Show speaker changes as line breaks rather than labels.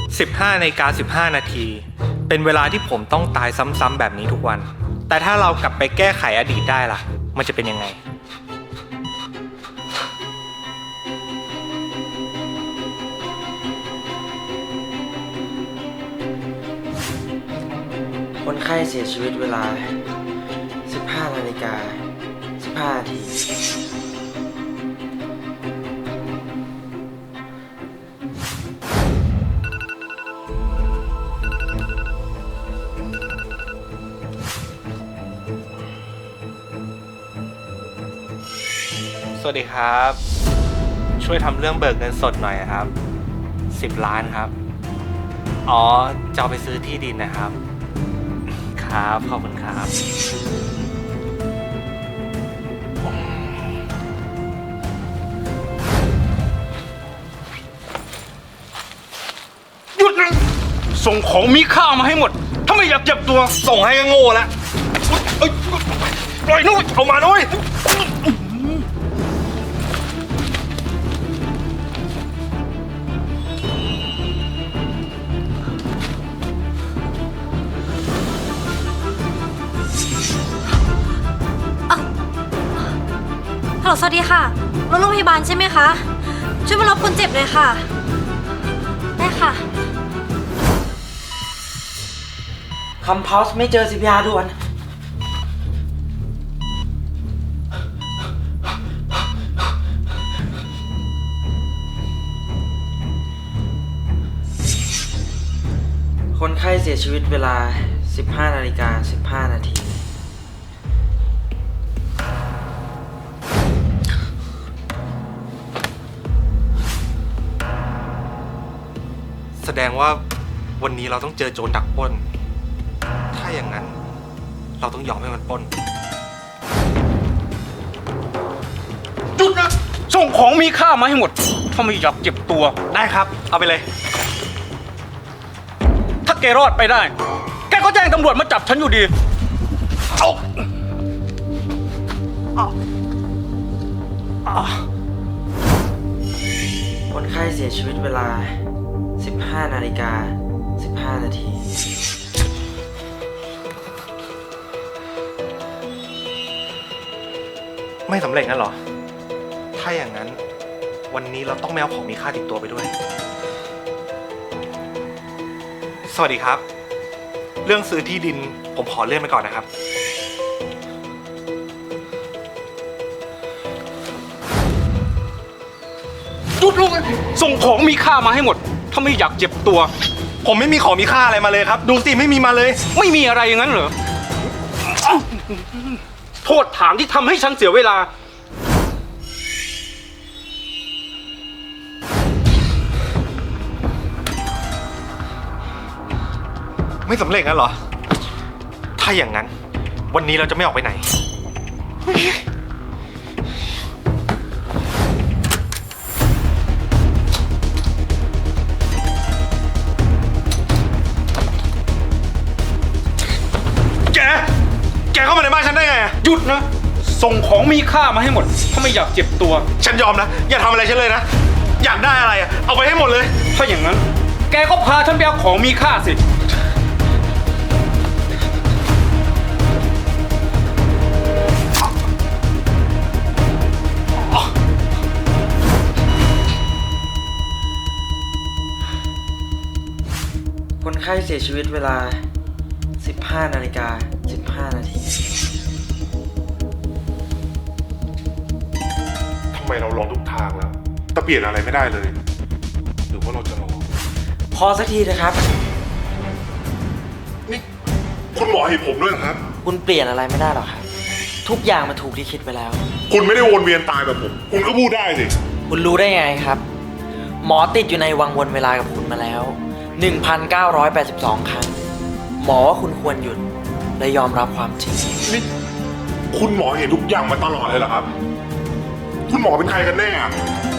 15:15 น.เป็นเวลาที่ผมต้องตายซ้ำๆแบบนี้ทุกวันแต่ถ้าเรากลับไปแก้ไขอดีตได้ล่ะมันจะเป็นยังไง
คนไข้เสียชีวิตเวลา 15:15 น.
สวัสดีครับช่วยทำเรื่องเบิกเงินสดหน่อยครับ10 ล้านครับอ๋อจะเอาไปซื้อที่ดินนะครับครับขอบคุณครับ
หยุดนะส่งของมีค่ามาให้หมดถ้าไม่อยากเจ็บตัวส่งให้ก็โง่แล้วปล่อยนู้นเอามาด้วย
ฮัลโหลสวัสดีค่ะรถโรงพยาบาลใช่ไหมคะช่วยมารับคนเจ็บเลยค่ะได้ค่ะ
คำพาวส์ไม่เจอ CPR ด่วนคนไข้เสียชีวิตเวลา 15:15 น.
แสดงว่าวันนี้เราต้องเจอโจรดักปล้นถ้าอย่างนั้นเราต้องยอมให้มันปล้น
หยุดนะส่งของมีค่ามาให้หมดถ้าไม่อยากเจ็บตัว
ได้ครับเอาไปเลย
ถ้าแกรอดไปได้แกก็แจ้งตำรวจมาจับฉันอยู่ดีเอา
คนไข้เสียชีวิตเวลา 15:15 น.
ไม่สำเร็จงั้นเหรอถ้าอย่างนั้นวันนี้เราต้องไม่เอาของมีค่าติดตัวไปด้วยสวัสดีครับเรื่องซื้อที่ดินผมขอเลื่อนไปก่อนนะครับ
หยุดลูกส่งของมีค่ามาให้หมดถ้าไม่อยากเจ็บตัว
ผมไม่มีของมีค่าอะไรมาเลยครับดูสิไม่มีมาเลย
ไม่มีอะไรอย่างนั้นเหรอโทษฐานที่ทำให้ฉันเสียเวลา
ไม่สำเร็จงั้นเหรอถ้าอย่างนั้นวันนี้เราจะไม่ออกไปไหนแกเข้ามาในบ้านฉันได้ไง
หยุดนะส่งของมีค่ามาให้หมดถ้าไม่อยากเจ็บตัว
ฉันยอมนะอย่าทำอะไรฉันเลยนะอยากได้อะไรอะเอาไปให้หมดเลย
ถ้าอย่างนั้นแกก็พาฉันไปเอาของมีค่าสิ
คนไข้เสียชีวิตเวลา 15:15 น.
ทำไมเราลองทุกทางแล้วแต่เปลี่ยนอะไรไม่ได้เลยหรือว่าเราจะรอ
พอสักทีนะครับ
นี่คุณหมอให้ผมด้วยครับ
คุณเปลี่ยนอะไรไม่ได้หรอกครับทุกอย่างมันถูกที่คิดไปแล้ว
คุณไม่ได้วนเวียนตายแบบผมคุณก็พูดได้สิ
คุณรู้ได้ไงครับหมอติดอยู่ในวังวนเวลากับคุณมาแล้ว 1,982 ครั้งหมอว่าคุณควรหยุดและยอมรับความจริง
นี่คุณหมอเห็นทุกอย่างมาตลอดเลยเหรอครับคุณหมอเป็นใครกันแน่